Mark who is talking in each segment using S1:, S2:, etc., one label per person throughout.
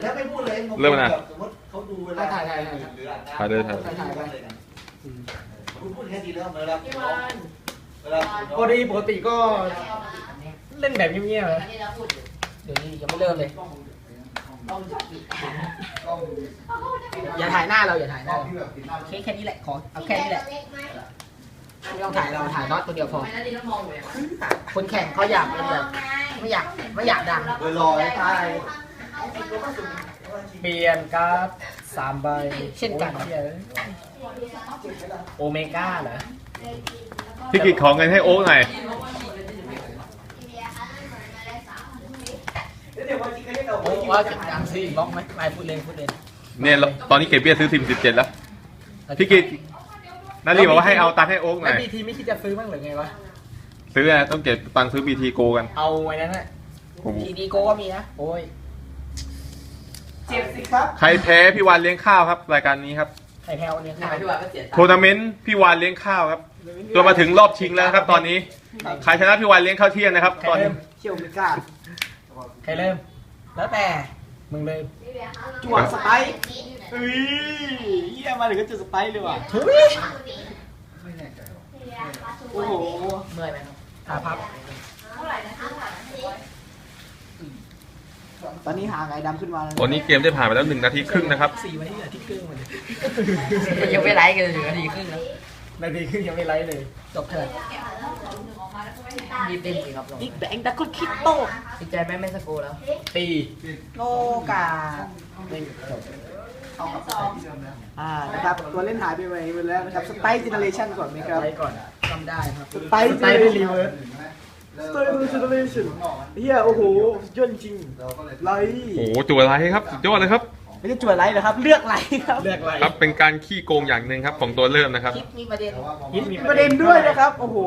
S1: แล้วไม่พูดเลย
S2: เริ่มนะ
S1: สมมติเขาดูเวลาหรืออ่านคุณพูดแค่ทีแล้วเวลา
S3: ปกติก็เล่นแบบเงียบๆเลยเดี๋ยวนี้ยังไม่เริ่มเลยอย่าถ่ายหน้าเราอย่าถ่ายหน้าแค่นี้แหละขอเอาแค่นี้แหละไม่ต้องถ่ายเราถ่ายน็อตตัวเดียวพอคนแข่งเขาอยากเป็นแบบไม่อยากดัง
S1: ลอยตาย
S3: เปลี่ยนการ์ด3 ใบเช่นกันโอเมก้าเหรอ
S2: พี่กิจขอเงินให้โอ๊กหน่อย
S3: โอ้ว่าจะดังซื้ออีกบล็อกไหมไม่พูดเล่น
S2: เนี่ยตอนนี้เก็บเบี้ยซื้อทีม17แล้วพี่กิจนารีบอกว่าให้เอาตังค์ให้โอ๊กหน่
S3: แล้
S2: อ
S3: วย บีทีไม่คิดจะซื้อบ้างหรือไงวะ
S2: ซื้อต้องเก็บตังค์ซื้อ BT Go กัน
S3: เอาไว้นั่นแหละทีดีโก้ก็มีนะโอ้ย
S1: เจ็บสิครับ
S2: ใครแพ้พี่วานเลี้ยงข้าวครับรายการนี้ครับ
S3: ไข่แพลวเนี่ยค่ะ
S2: ทัวร์นาเมนต์พี่วานเลี้ยงข้าวครับจนมาถึงรอบชิงแล้วครับตอนนี้ใครชนะพี่วานเลี้ยงข้าวเที่ยงนะครับตอนนี้
S1: เชี่ยวไม่กล้า
S3: ใครเริ่มแล้วแต่มึงเลย
S1: จวดสไปค์เยี่ยมาถึงก็จุดสไปค์เลยว่ะ
S3: ทุย
S1: โอ้โห
S3: เมื่อยไหมครับขาพับ
S1: ตอนนี้หาไงดำขึ้นมาแล้ว
S2: ตอนนี้เกมได้ผ่านไปแล้ว1 นาทีครึ่งนะครับ
S3: 4 วันที่เหลือที่ครึ่งมัน
S4: ยังไม่ไลฟ์กันถึงนาทีครึ่งแล้ว
S3: นาทีครึ่งยังไม่ไลฟ์เลยจบเถิด
S4: รีบเล่นสิครับ
S1: บิ๊กแบงดักก็คิดโต
S4: ติดใจไม่สกูแล้ว
S3: ตี
S1: โลกานะครับตัวเล่นหายไปไหนแล้วนะครับสไปซ์เจเนเรชั่นก่อนไหมครับ
S3: ไลฟ์ก่อนจำได้ครับ
S1: สไปซ์
S3: ไลฟ์ด้วยรีเวิร์ส
S1: สไปซ์เจเนเรชั่นเฮียโอ้โหยอดจริงไลท์
S2: โอ้โหจั่วไรครับสุดยอดเลยครับ
S1: ไม่ใช่จวดไลท์นะครับเลือกไลท์ครับ
S3: เลือกไลฟ์
S2: ครับเป็นการขี้โกงอย่างหนึ่งครับของตัวเริ่มนะครับ
S4: คิดมีประเด็น
S3: ฮิตมี
S1: ประเด็นด้วยนะครับโอ้โห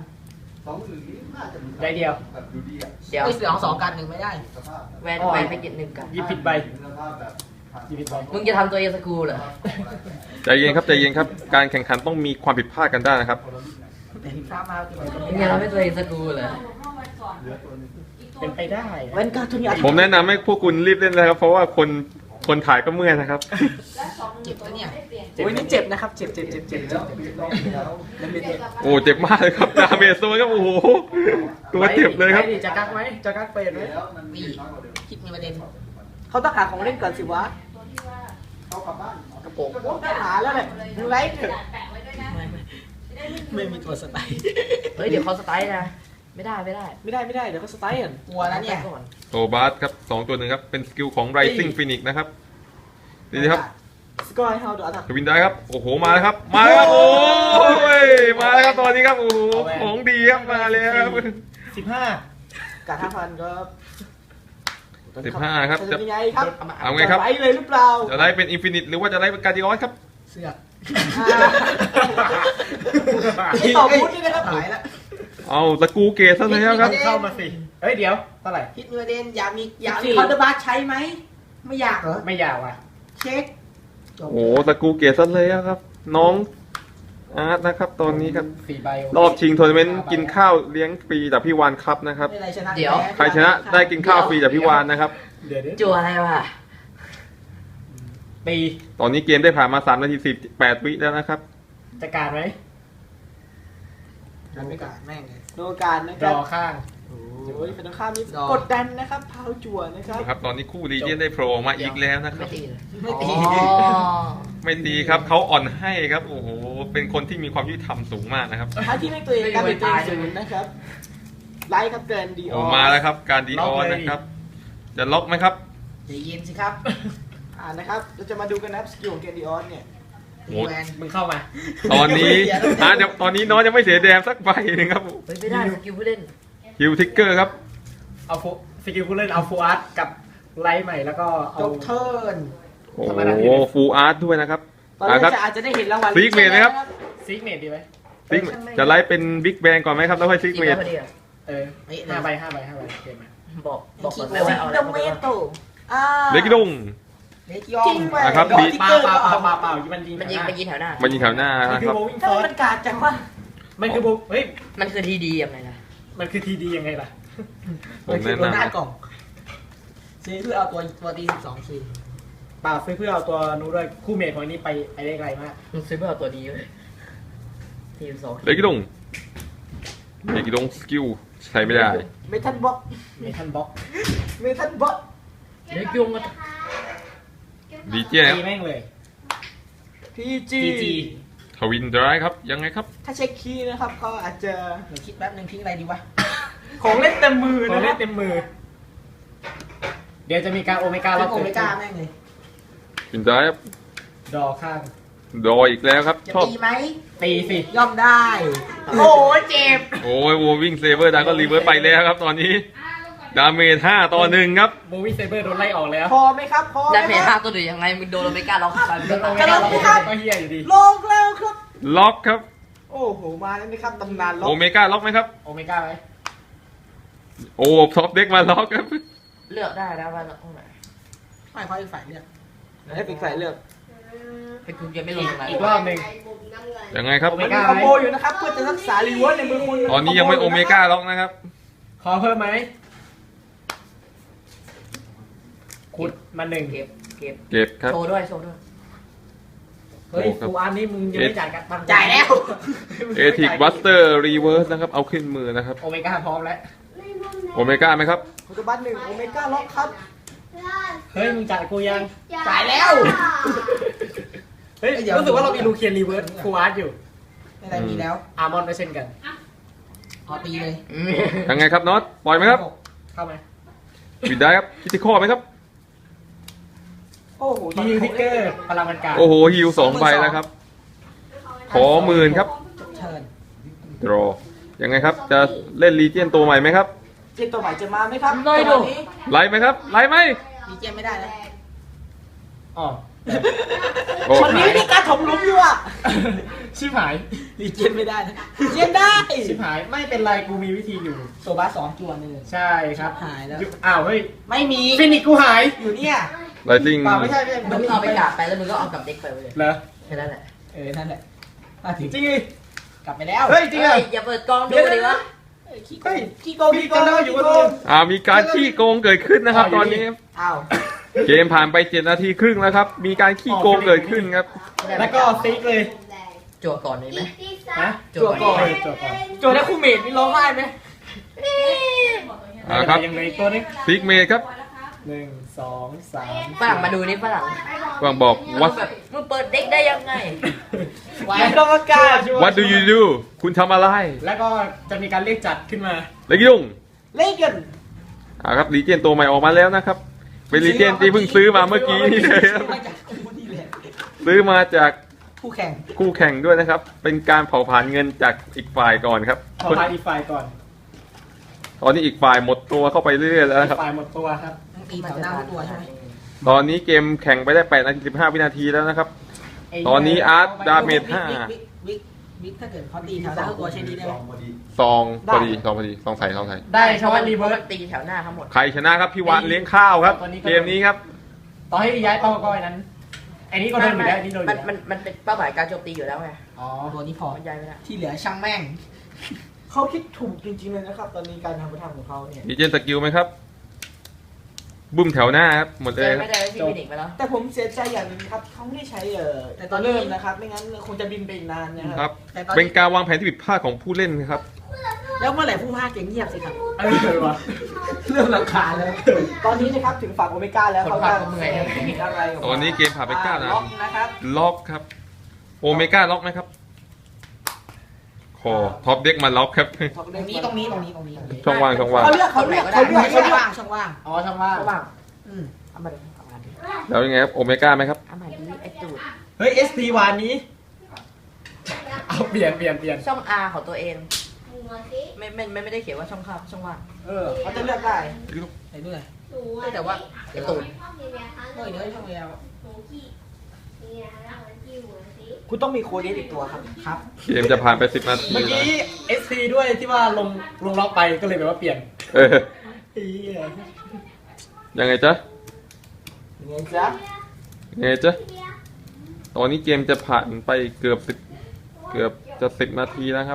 S3: 9,000ได้เดียว
S4: เดี๋ยว
S3: ไม่เสือของ2 กัน 1ไม่ได้
S4: แวนไปเก็บ1กัน
S3: หยิบผิดใบหยิบผิดใบ
S4: มึงจะทำตัวเองสกูเหรอ
S2: ใจเย็นครับใจเย็นครับการแข่งขันต้องมีความผิดพลาดกันได้นะครับ
S3: แต่ที่ข้ามา
S4: มึงจะทำให้ตัวเองสกูเหรอ
S3: เป็นไปได้
S1: เว้นการทุนยา
S2: ผมแนะนำให้พวกคุณรีบเล่นเลยครับเพราะว่าคนถ่ายก็เมื่อยนะครับ
S3: เจ็บแล้วเนี่ย
S1: โอ้ยนี่เจ็บนะครับเจ็บไม่เจ็บ
S2: โอ้เจ็บมากเลยครับดาเมจโซนครับโอ้โหตัวเจ็บเลยครับ
S3: จะกักไหมจะกักเปรตไหม
S4: นี่คิดมีประเด็น
S1: เขาต้องหาของเล่นก่อนสิวะ
S4: กระโปรง
S1: ต้องหาแล้วแหละมึงไลท์เถอะ
S3: ไม่มีตัวสไตล์
S4: เฮ้ยเดี๋ยวเขาสไตล์นะไม่ได้
S1: ไม่ได้เดี๋ยวเขาสไตล์ก่อน
S3: กลัวแล้วเนี่ย
S4: ก่อน
S2: โตบาสครับ2 ตัวหนึ่งครับเป็นสกิลของ Rising Phoenix นะครับดีครับ
S1: สกอร์ให้เขาดูอัตรา
S2: ทวินได้ครับโอ้โหมาแล้วครับมาแล้วครับโอ้ยมาแล้วครับตอนนี้ครับโอ้โหของดีครับมาแล้ว
S3: 15
S1: กา5,000ครับ
S2: 15ครับ
S1: จะเป็นยังไงครับ
S2: เอาไงครับ
S1: ไลท์เลยหรือเปล่า
S2: จะไล่เป็น Infinite หรือว่าจะไล่เป็น Guardian ครับ
S3: เสือก
S1: ที่ต่อบูธนี่นะครับ
S3: หายแล้ว
S2: เอาตะกูเกตซะแล้วครับ
S3: เข้ามาสิเฮ้ยเดี๋ยวเท่าไหร่
S1: คิดมีประเด็นอยากมีคอนเดอร์บาร์ใช้ไหมไม่อยากเหรอ
S3: ไม่ยาวอ่ะ
S1: เช็ค
S2: โอ้โหตะกูเกตซะแล้วครับ น้องอาร์ตนะครับตอนนี้ครับ
S3: 4 ใบ
S2: รอบชิงทัวร์นาเมนต์กินข้าวเลี้ยงฟรีจากพี่วานครับนะครับ
S1: ไม่ไรชนะ
S2: ใครชนะได้กินข้าวฟรีจากพี่วานนะครับ
S3: เดี๋ยว
S4: จั่วอะไรวะ
S3: ตี
S2: ตอนนี้เกมได้ผ่านมา3 นาที 18 วิแล้วนะครับ
S3: จะการไหม
S1: การไม่การแม่งเลยโนการนะค
S3: ร
S1: รับ
S3: อข้าง
S1: โอ้ยเป็นต้องข้ามนี้กดดันนะครับพาวจั่วนะครับ
S2: ครับ ตอนนี้คู่รีเจนได้โผล่ออกมาอีกแล้วนะค
S4: ไม่
S2: รับ
S4: ตีเลย
S1: ไม่ตี
S4: อ๋อ
S2: ไม่ดีครับเขาอ่อนให้ครับโอ้โหเป็นคนที่มีความยุติธรรมสูงมากนะครับ
S1: ถ้าที่ไม่ตัวเองการเป็นตัวเองศูนย์นะครับไลท์ครับเกินดีอ
S2: โอ้
S1: อ
S2: มาแล้วครับการดีออนนะครับ จะล็อกไหมครับ
S1: ใจเย็นสิครับนะครับเราจะมาดูกันนะครับสกิลของเกนดีออนเนี่ย
S2: โอ้
S3: แวนมึงเข้ามา
S2: ตอนนี้เดี๋ยวตอนนี้น้องยังไม่เสียแดมสักใบหนึงครับ
S4: เฮ้ยไม่ได้สกิลผู้เล่น
S2: ฮิวทิกเกอร์ครับ
S3: เอาสกิลผู้เล่นเอาฟูอาร์ตกับไลท์ใหม่แล้วก็เอา
S1: จบเทิร์น
S2: โอ้โหฟูลอาร์ตด้วยนะครับ
S1: ตอนนี้อาจจะได้เห็นรางวัล
S2: ซีกเมดไหมครับ
S3: ซิกเมดดีไหม
S2: ซิกจะไล่เป็นบิ๊กแบงก่อนไหมครับแล้วค่อยซิก
S4: จริง
S2: เม
S4: แล้
S2: ด
S4: วพอดีอะ
S3: 5 ใบเกมมา
S4: บอกก่อนไหมว่าเอาอะไร
S1: ดัม
S4: มา
S1: เม
S4: บ้าง
S1: โต
S2: เล็กดง
S1: เล็กยอง
S2: นะครับ
S1: ดอกติ๊ก
S3: เปล่า
S1: เกอร์
S3: เปล่า
S1: ก็
S3: เปล่าเปล่ามันยิง
S4: มันยิงแถวหน้า
S2: มันยิงแถวหน้า
S3: มัน
S2: นะ
S3: คื
S2: ค
S3: อ
S2: รับ
S3: โบวิ่งฟ
S1: ถ้า
S3: อร์
S1: มันกาดจังวะ
S3: มันคือโบเฮ้ย
S4: มันคือทีดียังไงล่ะ
S3: มันคือทีดียังไงล่ะ
S2: ผมแนะ
S3: หน้าน
S2: ำ
S3: กล่องซื้อเพื่อเอาตัวตี12คีย์
S1: เปล่าซื้อเพื่อเอาตัวนู้นด้วยคู่เมทของอันนี้ไปได้ไกลมาก
S4: มึงซื้อเพื่อเอาตัวนี้เลยทีม2
S2: เลกิดงสกิลใช้ไม่ได้
S3: เมทัลบล็อก
S1: เมทันบ็อก
S3: เมทัลบล็อก
S4: เล็กยุงอะ
S2: ดีเจนะค
S1: ตี
S2: รับ
S1: แม่งเลย
S3: พีจี
S1: GG
S2: ทวินดรายครับยังไงครับ
S3: ถ้าเช็คคีย์นะครับก็อาจจะเดี๋ยวคิดแป๊บนึงทิ้งอะไรดีวะ
S1: ของเล่นเต็มมือของเล่นเต็มมือ เดี๋ยวจะมีการโอเมก้า
S3: แล้
S1: แล้ว ว
S3: โอ
S1: เกิด
S3: เม
S1: ขึ้
S3: ก้าน แม่งเลย
S2: วินดรายครับ
S1: ดอข้าง
S2: ดออีกแล้วครับ
S3: จะ
S2: ชอบ
S3: ตีไหม
S1: ตีสิ
S3: ย่อมได้ โอ้เจ็บ
S2: โอ้ยโววิ่งเซเบอร์ดาก็รีเวิร์สไปแล้วครับตอนนี้ ดาเมจ5 ต่อ 1ครับ
S1: โมวี่เซเบอร์โดนไล่ออกแล้ว
S3: พอไหมครับพอไหม
S4: ได้เพ
S3: ค
S4: ท่า
S3: รับ
S4: ตัวเดียวยังไงมึงโดนเราไม่กล้าล็อกกัน
S1: โดนโอเม
S3: กำลั
S1: ก้าง
S3: ครับ
S1: ก็เฮียอยู่ดี
S3: ลงแล้วครับ
S2: ล็อกครับ
S3: โอ้โหมาแล้วนะครับตำนานล็อ
S2: โอก เมก้าล็อกไหมครับ
S1: โอเมก้าไหม
S2: โอ้ท็อปเด็กมาล็อกครับ
S4: เลือกได้แล้วว่าตรงไหน
S3: ไม่ค่อยฝ่ายเลือกให้ปิกฝ่ายเลือก
S4: เป็นคุณยังไม่ลงตรงไหน
S1: อีกรอบหนึ่ง
S2: ยังไงครับ
S1: โอเม
S3: มัน
S1: ก้า
S3: มีคอมโบอยู่นะครับเพื่อจะรักษารีเวิร์สในมือคุณ
S2: ตอนนี้ยังไม่โอเมก้าล็อกนะครับ
S1: ขอเพิ่มไหมขุดมาหนึ่ง
S4: เก็บ
S2: เก็บครับ
S4: โชว์ด้วยโชว์ด้วย
S1: เฮ้ยกูอันนี้มึงยังไม่จ่ายกันตังค์
S3: จ่ายแล้ว
S2: เอทิกบัสเตอร์รีเวิร์สนะครับเอาขึ้นมือนะครับ
S1: โอเมก้าพร้อมแล้ว
S2: โอเมก้าไหมครับ
S3: คุณตบัตหนึ่งโอเมก้าล็อกครับ
S1: เฮ้ยมึงจ่ายกูยัง
S3: จ่ายแล้ว
S1: เฮ้ยรู้สึกว่าเรามีลูเคียนรีเวิร์สคูอาร์ตอยู่
S3: ไม่ได้มีแล้ว
S1: อาร์มอนก็เช่นกัน
S3: เอาตีเลย
S2: ยังไงครับน็อตปล่อยไหมครับ
S1: เข้าไหม
S2: ปิดได้ครับคิดที่ข้อไหมครับ
S3: โอ้โห
S1: ฮิวทิกเกอร์พลังมันการ
S2: โอ้โหฮิว2 ใบแล้วครับ ขอ10,000ครับ
S3: เชิญ
S2: ดรอยังไงครับ จะเล่นรีเจียนตัวใหม่ไหมครับ
S3: เจนตัวใหม่จะมาไหมครับ
S4: น้อยดู
S2: ไล่ไหมครับ ไล่ไหม
S3: ดีเจนไม่ได้นะ
S1: อ๋อ
S2: โอ้
S3: วันนี้มีการถมหลุมอยู่อ่ะ
S1: ชิบหาย
S3: ดีเจนไม่ได้นะดีเจนได้
S1: ชิบหายไม่เป็นไรกูมีวิธีอยู่
S3: โซบาสองจวนหนึ่ง
S1: ใช่ครับ
S3: หายแล้ว
S1: อ้าวเฮ้ย
S3: ไม่มี
S1: ฟินิกกูหาย
S3: อยู่เนี่ย
S2: ไลติง
S3: เปล่าไม่ใช่ไม่ใช่
S4: มึงเอาไปกาดไปแล้วมึงก็เอากลับเด็กไปเลย
S1: เหรอ
S4: แค่นั้นแหละ
S3: นั่นแหละมาถึง
S1: จริงดิ
S3: กลับไปแล้ว
S1: เฮ้ยจริงเหรอ
S4: อย่าเปิดกล้องดูดิวะ
S3: ขี้โกง
S1: พี่
S3: ขี้โก
S1: จำ
S3: ง
S1: ได้อยู่ว่า
S2: มีการขี้โกงเกิดขึ้นนะครับ ตอนนี้
S3: อ้าว
S2: เกมผ่านไป7 นาทีครึ่งแล้วครับ มีการขี้โกงเกิดขึ้นครับ
S1: แล้วก็ซิกเลย
S4: จั่วก่อนเลยไหม
S1: นะ
S4: จั่วก่อน
S1: จบก่อน
S3: โจทย์แล้วคู่เมดนี่ร้องไห้ไหม
S2: ครับ
S1: ยังเหลืออีกตัวนึง
S2: ซิกเมดครับ
S1: 1 2 3
S4: ฝรั่งมาดูนี่ฝรั่ง
S2: วางบอก what
S4: แบบมึงเปิดเด็กได้ยังไง
S3: ไว้กรรมการ
S2: what do you do คุณทำอะไร
S1: แล้วก็จะมีการเรียกจัดขึ้นมา
S2: เลกิดุง
S3: เล่นกัน
S2: ครับรีเจนตัวใหม่ออกมาแล้วนะครับ เป็นรีเจนที่เพิ่งซื้อมาเมื่อกี้นี่เลยครับ
S3: มาจากคู่นี่แหละ
S2: ซื้อมาจาก
S3: คู่แข่ง
S2: คู่แข่งด้วยนะครับ เป็นการเผาผลาญเงินจากอีกฝ่ายก่อนครับ
S1: ขอพาอีกฝ่ายก่อน
S2: ตอนนี้อีกฝ่ายหมดตัวเข้าไปเรื่อยๆแล้วนะครับ
S1: ฝ่ายหมดตัวครับ
S3: ตีแถวหน้าทุกตัวใช่ไหม
S2: ตอนนี้เกมแข่งไปได้8 นาที 15 วินาทีแล้วนะครับ ตอนนี้อาร์ตดาเมจ
S3: วิกถ้าเกิดเขาตีแถวหน้าทุกตัวใช้ดีได้ไหม
S2: ซองพอดีซองพอดีซองใส่ซองใส่
S1: ได้ช
S4: เพ
S1: าว
S4: ราะ
S1: บ้า
S4: ว่าน
S1: รี
S4: รี
S1: เวิ
S4: เวิ
S1: ร์
S4: ร์
S1: ส
S4: สตีแถวหน้าทั้งหมด
S2: ใครชนะครับพี่วานเลี้ยงข้าวครับ
S1: ตอนนี้ก็
S2: เกมนี้ครับ
S1: ต่อให้ย้ายเป้าก้อยนั้นไอ้นี้ก็โดนอยู่แล้วไอ้นี้โดนอยู่แล้ว
S4: มันเป็นเป้าหมายการโจมตีอยู่แล้วไง
S1: อ๋อ
S3: ตัวนี้พอ
S4: มันย้ายไม่ได้
S3: ที่เหลือช่างแม่ง เขาคิดถูกจริงๆเลยนะครับ ตอนนี้การทำประทำของเขาเนี่ย
S2: มีเจนสกิลไหมครับ บุ้มแถวหน้าครับ หมด
S4: เจ
S2: เลย
S4: อ
S2: ครั
S4: ไม่
S2: บ
S4: ได้พี่ฟินิกไปแล้ว
S3: แต่ผมเสียใจอย่างหนึงครับเขาไม่ได้ใช้แต่ตอนเริ่มนะครับ ไม่งั้นคงจะบินไปอีกนานนะค
S2: ครั
S3: รับ แต่ตอน
S2: เป็น
S3: นี้
S2: การวางแผนที่ผิดพลาดของผู้เล่นครับ
S3: แล้วเมื่อไหร่ผู้พากย์จะเงียบสิครับ
S1: เออวะ
S3: เรื่องราคาญแล้ว ตอนนี้นะครับถึงฝั่งโอเมก้าแล้ว
S4: คน
S3: เขา
S4: พา
S3: จะ
S4: กก็เมื่อย
S3: มีอะไรออกมา
S2: ตอนนี้เกมผ่านไป9 นา
S3: ล็อก
S2: ที
S3: นะครับ
S2: ล็อกครับ โอเมก้าล็อกไหมครับคอท็อปเด็กมาล็อกครับ
S3: ตรงนี้
S2: ช่องว่างช่องว่าง
S3: เขาเลือกเขาเลือกช่องว่างช่องว่าง
S1: อ๋อช่างว่า
S4: ระหว่าง
S3: อืม
S4: เอามาดิเอามาดิ
S2: แล้วยังไงครับโอเมก้าไหมครับ
S4: เอามาดิไอจูด
S1: เฮ้ย SP วานนี้เอาเปลี่ยน
S4: ช่อง R ของตัวเองไม่ได้เขียนว่าช่องข้างช่องว่าง
S3: เขาจะเลือกได้ไหนด้วย
S4: แต่ว่าไอตูด
S3: เฮ้ยเนื้อช่องแล้วคุณต้องมีโคเดสอีกตัวครับครับ
S2: เกมจะผ่านไป10 นาที
S1: เมื่อ
S2: แล้ว
S1: กี้ SP ด้วยที่ว่าลงล็อกไปก็เลยแบบว่าเปลี่ยน
S2: เออ
S1: เหี้ย
S2: ยังไงจ๊ะ
S3: ยังไงจ๊ะ
S2: ยังไงจ๊ะตอนนี้เกมจะผ่านไปเกือบจะ10 นาทีแล้วครับ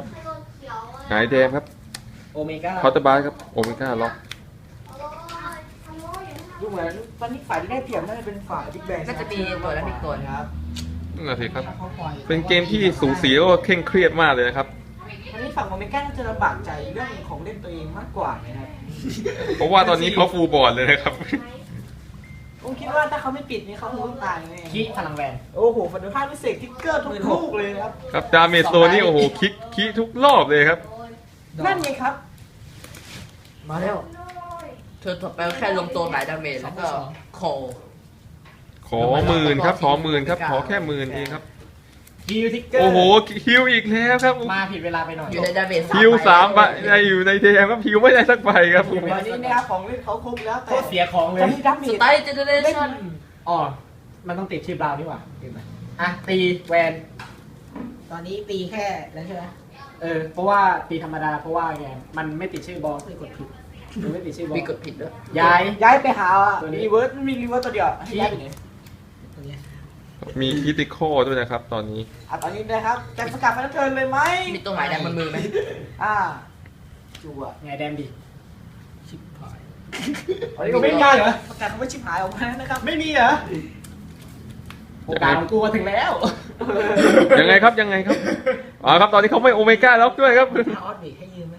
S2: หงายแดงครับ
S1: โอเมก้า
S2: คอร์ตบาร์ครับโอเมก้าล็อก
S3: ดูเหมือนตอนนี้ฝ่ายที่ได้เปรียบน่าจะเป็นฝ่ายบิ๊กแบง
S4: น่าจะมีตัวแล้วมีตัว
S3: ครับ
S2: นั่นนะสิครับ
S3: เขาปล่อย
S2: เป็นเกมที่สูสีแล้วก็เคร่งเครียดมากเลยนะครับ
S3: ตอนนี้ฝั่งโอเมก้าน่าจะลำบากใจเรื่องของเล่นตัวเองมากกว่านะครับ
S2: เพราะว่าตอนนี้เขาฟูลบอร์ดเลยนะครับ
S3: ผมคิดว่าถ้าเขาไม่ปิดนี่เขาคงต้องตายแน่
S1: ขี้พลังแวน
S3: โอ้โหฝันดูภาพพิเศษทิกเกอร์ทุกลูกเลยนะครับ
S2: ครับดาเมจโซนี่โอ้โหคิกทุกรอบเลยครับ
S3: นั่นไงครับ
S4: มาแล้วเธอต่อไปแค่ลงตัวหลายดาเมจแล้วก็โค
S2: ขอหมื่นครับขอหมื่นครับขอแค่หมื่นเองครับ
S1: ฮิวทิกเกอร์
S2: โอ้โหฮิวอีกแล้วครับ
S1: มาผิดเวลาไปหน่อย
S4: อยู่ในดาเมจ
S2: ฮิว3 ใบอยู่ในเทมครับฮิวไม่ได้สักใบครับ
S3: ตอนนี้นะครับของเล่นเขาครบแล้ว
S1: โค
S3: แต่
S1: ตรเสียของเลย
S3: ตอนนี้ดับเบิ
S4: ส
S3: ล
S4: ไตล์เจเนเร
S3: เล่น
S4: ชั่น
S1: อ๋อมันต้องติดชื่อบราวน์นี่หว่าเห็นไหมอ่ะตีแวน
S3: ตอนนี้ตีแค่แล้วใช่ไหม
S1: เพราะว่าตีธรรมดาเพราะว่าไงมันไม่ติดชื่อบอลไม่กดผิดมันไม่ติดชื่อบอล
S4: มีกดผิดด้วย
S1: ย้าย
S3: ย้ายไปหา
S1: ตัวนี้
S3: รีเวิร์สมีรีเวิร์สตัวเดียวให้ย้ายไปไหน
S2: มีคิติคอลด้วยนะครับ ตอนนี้
S3: ตอนนี้นะครับจะประกาศไปแล้วเทิร์นเลยไหม
S4: มีตัวหมายแดงบนมือไหม
S3: จั่ว
S1: ไงแดมดิ
S3: ชิบหาย
S1: อันนี้ก็ไม่ได้เหรอ
S3: ประกาศคำว่าชิบหายออกมานะครับ
S1: ไม่มีเหรอโอกาสของกูมาถึงแล้ว
S2: ยังไงครับยังไงครับอ๋อครับตอนนี้เขาไม่โอเมก้าล็อกด้วยครับ
S3: ถ้าออสเบรกให้ยืมไหม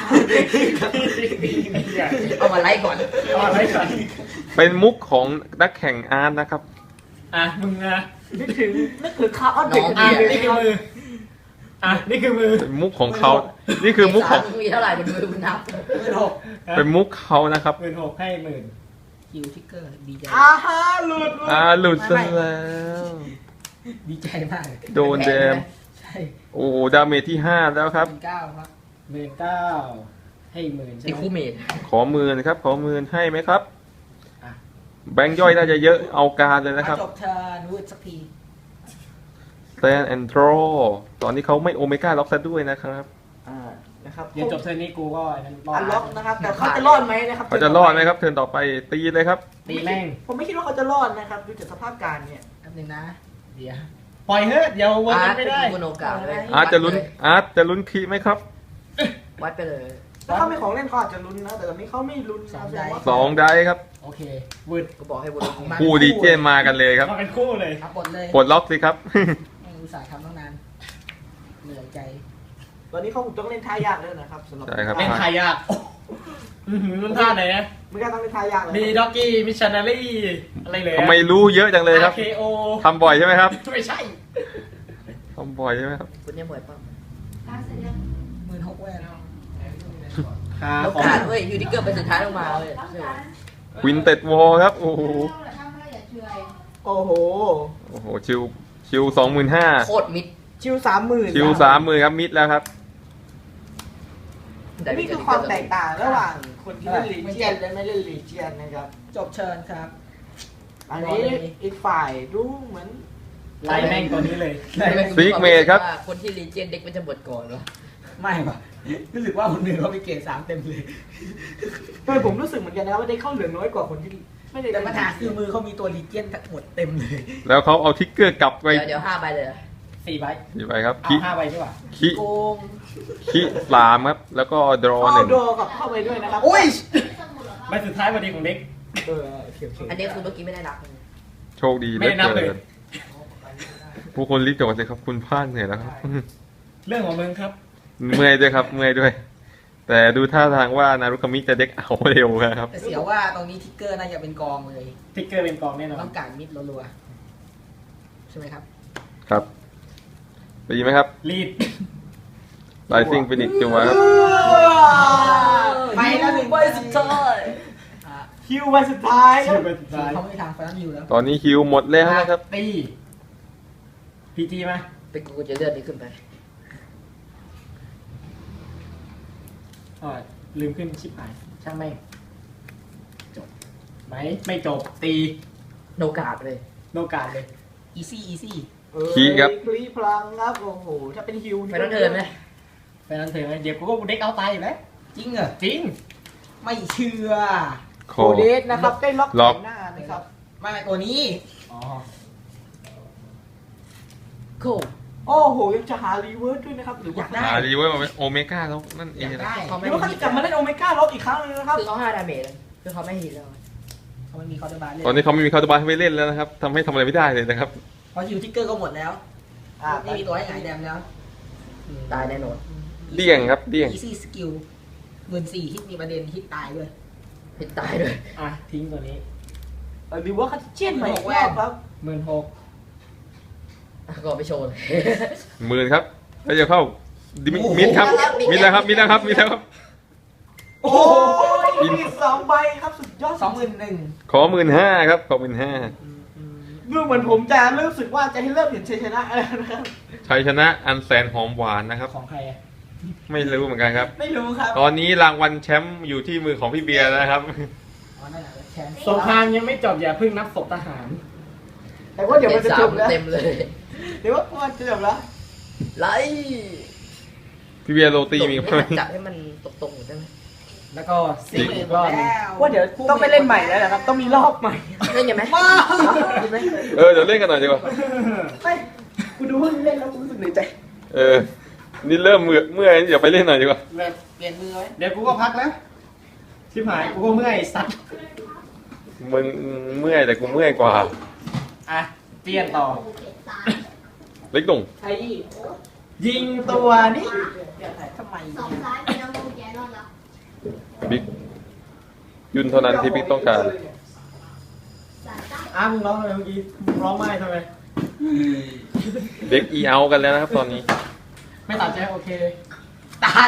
S4: เอามาไล่ก่อน
S1: เอาอะไรก่อน
S2: เป็นมุกของนักแข่งอาร์ตนะครับ
S1: อ่ะมึงอ่ะ
S3: นึกถึงคาร์ออสเบรก
S1: อ่ะนี่คือมืออ่ะนี่คือมือ
S2: เป็นมุกของเขานี่คือมุกของ
S4: มีเท่าไหร่บนมือคุณนับ
S1: 16,000
S2: เป็นมุกเขานะครับ
S1: 16,000ให้10,000
S3: คิวทิกเกอร์ดีใจ
S1: ฮะหลุด
S2: หลุดซะแล้ว
S3: ดีใจมาก
S2: โดนแดม
S3: ใช่
S2: โอ้โหดาเมจที่ 5 แล้วครับ
S3: 9ครับ
S1: 19,000ให้10,000ใช่
S4: ตี
S1: ไหม
S4: คู่เมด
S2: ขอหมื่นครับขอหมื่นให้ไหมครับ
S1: อ่ะ
S2: แบงค์ย่อยน่าจะเยอะเอาการเลยนะครับ
S3: จบเทิร์นวูดสักที
S2: Stand and draw ตอนนี้เขาไม่โอเมก้าล็อกซะด้วยนะครับ
S3: นะครับ
S1: เดี๋ยวจบเทอร์นนี้กูก็อันนั้นรอ
S3: อั
S1: ด
S3: นล็อกนะครับ แต่เขาจะรอดไหมนะครับ
S2: เขาจะรอดไหมครับเทิร์นต่อไปตีเลยครับ
S1: ตีแม่ง
S3: ผมไม่คิดว่าเขาจะรอดนะครับดูจากสภาพการเนี่ยแป๊บนึงนะ
S1: เดี๋ยวปล่อยเฮ้ยเดี๋ยววน
S4: อา
S1: กั
S4: ร์
S1: น
S4: ต
S1: ไม่
S4: เป็น
S1: ได้
S4: กุโนกาเลย
S2: อาร์ตจะลุ้นคีไหมครับ
S4: วัดไปเลย
S3: ถ้าเขาไม่ของเล่นเขาอาจจะลุ้นนะ แต่ตอนนี้เขาไม่ลุ้นนะแสดงว่า
S2: 2 ได้ครับ
S1: โอเควืด
S4: ก็บอกให้บุรุษ
S2: คู่ดีเจมากันเลยครับ
S1: มาเป็นคู่เลย
S3: ครับบทเลย
S2: ปลดล็อกสิครับ
S3: อุตส่าห์ทำตั้งนานเหนื่อยใจ ตอนนี้เขาคงต้องเล่นท่ายากเลยนะครับสำหรับ
S2: ใช่ครับ
S1: เล่นไทยอ่ะรุ่นท่าไหนนะ
S3: ไม่กล้าต้องเล่นท่ายากเลย
S1: มีด็อกกี้มิชชันนารีอะไรเลย
S2: ทำไมรู้เยอะจังเลยครับ
S1: RKO
S2: ทำบ่อยใช่ไหมครับ
S1: ไม่ใช่
S2: ทำบ่อยใช่ไหมครับ
S4: คุณยังบ่อยป่ะ
S3: 16,000แวน
S4: โอกาสเว้ยยูนิเกอร์เป็นสุดท้ายลงมาเว้ย
S2: ควินเต็ดวอลครับ โอ้โห
S3: โอ้โห
S2: โอ้โห ชิว25,000
S4: โคตรมิด
S3: ชิว30,000
S2: ชิว30,000ครับมิดแล้วครับ
S3: นี่คือความแตกต่างระหว่างคนที่เล่นลีเจียนและไม่เล่นลีเจียนนะครับ จบเชิญครับ อันนี้อีกฝ่ายดูเหมือน
S1: ไล่แม่งตัวนี้เลย
S2: ซิกเมดครับ
S4: ว่าคนที่รีเจนเด็กมันจะหมดก่อนวะ
S1: ไม่ป่ะรู้สึกว่าคนอื่นเขาไปเกรด3เต็มเลย
S3: ผมรู้สึกเหมือนกันนะว่าได้เข้าเหลือน้อยกว่าคนที่ไม่ได้
S1: แต่ปัญหาคือมือเขามีตัวลีเจียนทั้งหมดเต็มเลย
S2: แล้วเขาเอาทิกเกอร์กลับไป
S4: เดี๋ยว5ใบเลย
S1: 4 ใบ
S2: กี่ใบครับ
S1: เอา
S2: คิ
S1: 5 ใบดีกว่า
S2: คิ
S3: โกง
S2: คิ3ครับ แล้วก็ดรอ
S3: เข้า
S2: 1
S3: โดกับเข้าไปด้วยนะครับ
S1: อุ้ยใบสุดท้ายพอดีของเด็ก
S3: โอเค
S4: อันนี้คือเมื่อกี้ไม่ได้นับ
S2: โชคดีเห
S1: ไม่
S2: ลือ
S1: ได้นับเลย
S2: เกินผู้คนรีบจบกันเลยครับ คุณพลาดเหนื่อยแล้วครับ
S1: เรื่องของมึงครับ
S2: เมื่อยด้วยครับเมื่อยด้วย แต่ดูท่าทางว่านารุคามิจะเด็กเอาเร็วนะครับ
S3: แต่เสียว่าตรงนี้ทิกเกอร์น่าจะเป็นกองเลย
S1: ทิกเกอร์เป็นกองแน่นอน
S3: ต้องการมิดรัวๆใช่ไหมครับ
S2: ครับดีไหมครับ
S1: ลีด
S2: ไลซิ่งฟินิกจัวครับ
S3: ไปแล้วหนึ่ง
S4: ใบสุดท้าย
S3: คิววันสุดท้ายค
S1: ชื่
S3: รั
S1: อบ ใบสุดท้าย
S3: เขาไม่มีทางไฟนอลยูแล้ว
S2: ตอนนี้คิวหมดแล้วนะครับ
S1: ตีพีจีมา
S4: เป็นกูจะเลื่อนนี้ขึ้นไป
S1: อ๋อลืมขึ้นชิปหายช่างแม่งจบไหมไม่จบตี
S4: โนกาดเลย
S1: โนกาสเลย
S3: อีซี่
S2: คีครับ
S3: คลีพลังครับ โอ้โห ถ้าเป็นฮิว
S4: ไปต้องเดินไหม
S1: ไปนั่นเถอะไหมเดี๋ยวกูก็เด็กเอาตายอยู่แล้ว
S3: จริงเหรอ
S1: จริง
S3: ไม่เชื่อ
S2: โค
S3: โคเดสนะครับ ได้ล็อก
S2: ล็อก
S3: หน้านะครับ ไม่ตัวนี้
S1: อ๋อ
S4: โค
S3: โอ้โห ยังจะหารีเวิร์สด้วยนะครับ หรือว่า
S2: หาดีเว้ยมาเป็นโอเมก้าแล้วนั่นเอง
S3: อยาก
S2: นะ
S3: ได้
S4: เขา
S3: ห
S4: ไม่
S3: รือว่าเขาจะกลับมาเล่นโอเมก้าล็อกอีกครั้งนึงนะครับ
S4: คือเขา5ดาเมจเลยคือเขาไม่ฮิตแล้ว
S3: เขาไม่มีคอร์ดบาร์เลย
S2: ตอนนี้เขาไม่มีคาร์ดบาร์ให้ไปเล่นแล้วนะครับทำให้ทำอะไรไม่ได้เลยนะครับ
S3: เพราะฮิวทิกเกอร์ก็หมดแล้วไม่มีตัวให้หงายแดมแล้ว
S4: ตายแน่นอน
S2: เดี่ยงครับเดี่ยง
S3: อีซี่สกิล14,000ฮิตมีประเด็นฮิตตายด้วย
S4: พิษตายด้วย
S1: อ่ะทิ้งตัวนี้
S4: หรือว่าคัตเชียนใหม่อีกรอบครับ
S1: 16,000
S4: ก็ไปโชว์เลย
S2: 10,000ครับแล้วจะเข้าดิมิดครับมิดแล้วครับมิดแล้วครับมิดแล้วครับ
S4: โอ้ยมี2 ใบครับสุดยอด
S3: 21,000
S2: ขอ15,000ครับขอ15,000
S4: ดูเหมือนผมจะรู้สึกว่าจะให้เริ่มเห็นชัยชนะแล้วนะครับ
S2: ชัยชนะอันแสนหอมหวานนะครับ
S1: ของใครอ่ะ
S2: ไม่รู้เหมือนกันครับ
S4: ไม่รู้ครับ
S2: ตอนนี้รางวัลแชมป์อยู่ที่มือของพี่เบียร์นะครับ
S3: อ๋อนั่นแหละแชมป์
S1: สงครามยังไม่จบอย่าเพิ่งนับศพทหาร
S4: แต่ว่าเดี๋ยวมันจะจบแล้วเต็มเลย
S3: เดี๋ยวว่ามันจะจบแล้ว
S4: ไล่
S2: พี่เบียร์โรตีมีไหม
S4: จับให้มันตรงๆได้ไหม
S1: แล้วก็ซิกอีกรอบหนึ่ง
S4: ว่าเดี๋ยวต้องไปเล่นใหม่แล้วนะครับ ต้องมีรอบใหม่เล่นยังไหมเล่นไหม
S2: เดี๋ยวเล่นกันหน่อยดีกว่า
S4: ไม่กูดูเพิ่งเล่นแล้วกูรู้สึกเหนื่อยใจ
S2: นี่เริ่มเมื่อยเดี๋ยวไปเล่นหน่อยดีกว่า
S3: แบบเปลี่ยนมือไว้
S1: เดี๋ยวกูก็พักแล้ว ชิบหายกูก็เมื่อยสัตว์
S2: มึงเมื่อยแต่กูเมื่อยกว่า
S1: อ่ะเปลี่ยนต่อ
S2: เล็กดุ่ง
S3: ใครอีก
S1: ยิงตัวนี้
S3: ทำไม
S2: บิ๊กยุนเท่านั้นที่บิ๊กต้องการ
S1: มึงร้องอะไรเมื่อกี้มึงร้องไม่ทำไม
S2: เด็กอีเอากันแล้วนะครับตอนนี้
S1: ไม่ตัดใช่ไหมโอเค
S3: ตัด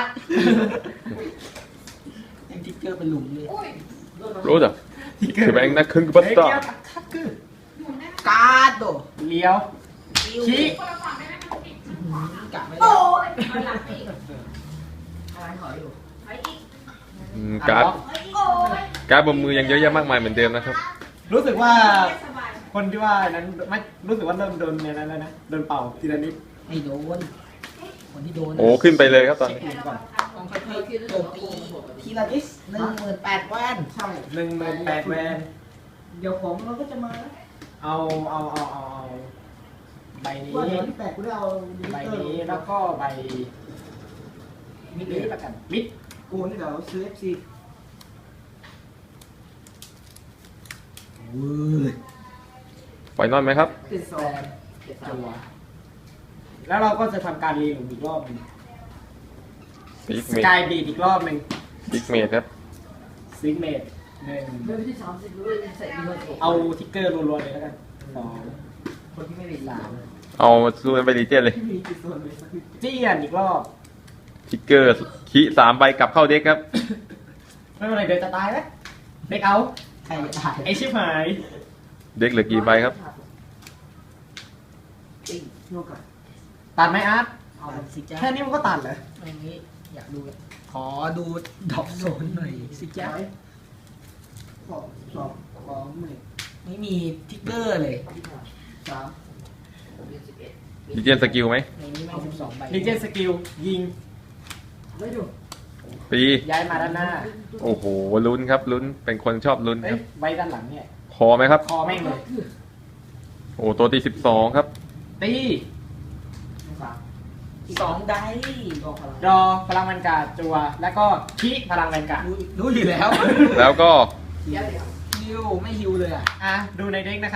S3: ยังทิกเกอร์เป็นหลุมเลย
S2: รู้จักถือแบงค์นักขึ้นกับบัต
S1: เฮ้ย
S2: ตา
S1: เกี่ยวทักคือ
S3: การ์ดโด
S1: เลี้ยว ขี้
S3: กะไม่
S5: โอ้
S3: ได้
S5: ยหลังอีก
S3: อะไรถอยอยู่
S2: การ์ด
S5: โอ้ย
S2: การ์ดบนมือยังเยอะแยะมากมายเหมือนเดิมนะครับ
S1: รู้สึกว่า
S5: สบาย
S1: คนที่ว่านั้นไม่รู้สึกว่าเริ่มโดนในนั้นแล้วนะโดนเป่าทีละนิด
S3: ไม่โดน คนที่โดน
S2: โอ้ขึ้นไปเลยครับตอนนี้
S1: ก่อน
S3: ต้องค่อยๆโจมตีทีละนิด18,000แว่นใช่
S1: 18,000 แวน
S3: เดี๋ยวผมเราก็จะมา
S1: เอาใบนี้
S3: ว่าเดี๋ยวที่8กูได้เอา
S1: ใบนี้แล้วก็ใบ
S3: มิดเลยละกัน
S1: มิด
S3: กูนี่เดี๋ยวซื้อ FC
S2: ไฟนอลไหมครับ
S3: ติดแซม
S1: จัวแล้วเราก็จะทำการรีหลุมอีกรอบหนึง
S2: บิ๊ก
S1: ส
S2: เมด
S1: กายบีดอีกรอบหนึ่ง
S2: บิ๊กเมดครับ
S1: ซิกเมดหนึ่ง
S4: เรื่องที่30ด้วยใส่ดีกว่า
S1: เอาทิกเกอร์รัวๆเลยแล้วกันสอง
S3: คนที่ไม่มีสาม
S2: เอาซูนไปรีเจนเลย
S3: มีกี่ส่วนเลยสักที
S1: เจียนอีกรอบ
S2: ทิกเกอร์ขี้3 ใบกลับเข้าเด็กครับ
S1: ไม่เป็นไรเดี๋ยวจะตายแล้วเด็กเอา
S3: ใครจะถ่าย
S1: ไอชิบหาย
S2: เด็กเหลือกี่ใบครับ
S3: ติ๊งโยกก่อน
S1: ตัดไหมอาร์ต
S3: เอาสิจ้า
S1: แค่นี้มันก็ตัดเหรอ
S3: อย่างนี้อยากดูขอดูดอกโซนหน่อยสิจ้าไม่มีทิกเกอร์เลย
S2: รีเจนสกิลไหม
S3: ในนี้ไม่12ใบ
S1: ลิเจนสกิลยิง
S2: ปี
S1: ย้ายมาด้านหน้า
S2: โอ้โหลุ้นครับลุ้นเป็นคนชอบลุ้น
S1: เอ้
S2: ค
S1: ย
S2: รับ
S1: ใบด้านหลังเนี่ย
S2: คอไหมครับ
S1: คอแม่งเลย
S2: โอ้ตัวตี12ครับ
S1: ตี
S3: 2ได้บอกพลัง
S1: รอพลังแวนการ์ดจัว แล้วก็คิพลังแวนการ์ด
S3: รู้อยู่แล้ว
S2: แล้วก็
S3: ฮิวไม่ฮิวเลยอ่ะ
S1: อ่ะดูในเด็กนะครับ